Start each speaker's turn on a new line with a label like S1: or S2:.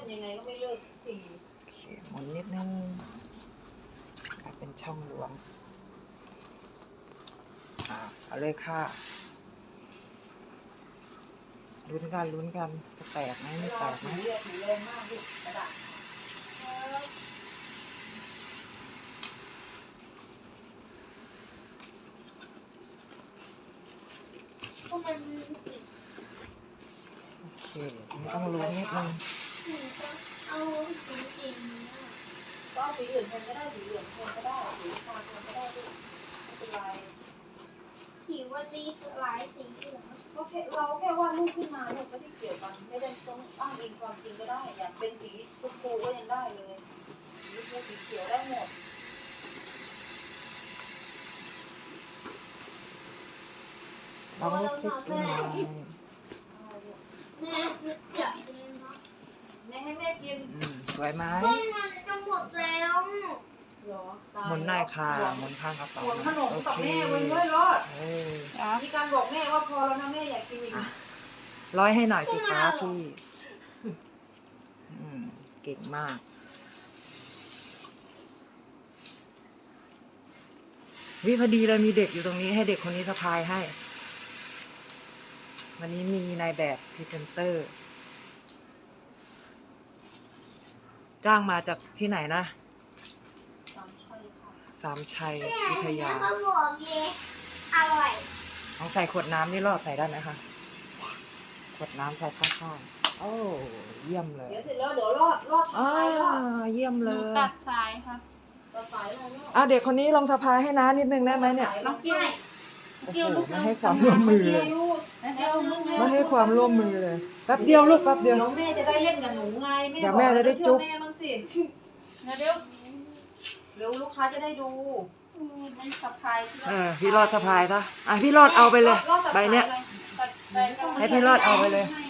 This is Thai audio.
S1: ยังไงก็ไม่เลิกที
S2: โอเคหมุนนิดนึงเป็นช่องหลวงเอาเลยค่ะลุ้นกันจะแตกไหมไม่แตกไหม
S1: ถือแรงมากลูกกระดาษ
S3: ก็มันมีสี
S2: โอเคไม่ต้องลุ้นนิดนึง
S3: เอาสีนี้
S1: ก็เอาสีอื่นแทนก็ได้สีเหลืองแทนก็ได้สีฟ้าแทนก็ได้ลูกไม่เป็นไร
S3: สีวันนี้หลายสีเหลือง
S1: ก็แค่เราแค่วาดรูปขึ้นมาลูกไม่ได้เกี่ยวกันไม่ได้ต้องอ้างอิงความจริงก็ได้อยากเป็นสีชมพูก็ยังได้เลยสีชมพูสีเขียวได้หมด
S2: เราคลิกขึ้นมา
S3: แม่อยากกินนะ
S1: แม่ให้แม่กิน
S2: สวยไหม
S3: ก็มันจะหมดแล้ว
S1: เหรอตาย
S2: หมุนหน่อยค่ะหมุนข้างกระเป๋า
S1: ห่วงขนม
S2: โอ
S1: กับ
S2: เค
S1: แม่ไว้ด้วยรอด
S2: ครับ
S1: มีการบอกแม่ว่าพอแล้วนะแม่อยากกินอีก
S2: ร้อยให้หน่อยสิคะพี่เก่งมากวิพอดีเลยมีเด็กอยู่ตรงนี้ให้เด็กคนนี้สะพายให้ วันนี้มีนายแบบพรีเซนเตอร์ จ้างมาจากที่ไหนนะ สามชัยวิทยา
S3: เขาบอกเลยอร่อย
S2: ลองใส่ขวดน้ำนี่รอดใส่ได้ไหมคะขวดน้ำใส่ข้างๆโอ้เยี่ยมเลย
S1: เดี๋ยวเสร็จแล้วเดี๋ยวรอด
S2: อ่า
S1: ท้ายรอด
S2: เยี่ยมเลย
S4: ตัดสายค่ะ
S1: ต่อสายอะไรรอด
S2: เด็กคนนี้ลองสะพายให้น้านิดนึงได้ไหมเนี่ย
S1: น้องเกี้ยว
S2: โอ้โหไม่ให้ความร่วมมือเลย
S1: เดี๋ยวลูก
S2: ไม่ให้ความร่วมมือเลยแป๊บเดียวลูกแป๊บเดียว
S1: เดี๋ยวแม่จะได้เล่นกับหนูไง
S2: เดี๋ยวแม่จะได้จุ๊บ
S1: แม่บ้างสิ
S4: เดี๋ยว
S1: เดี๋ยวลูกค้าจะได้ดู
S4: เป็นสะพายที่
S2: พี่รอดสะพายซะพี่รอดเอาไปเลย
S1: รอดตัด
S2: ใบเนี้ย
S1: สาอะไร
S4: ตัดไปก็
S2: ให้พี่รอดเอาไปเลย
S1: ให้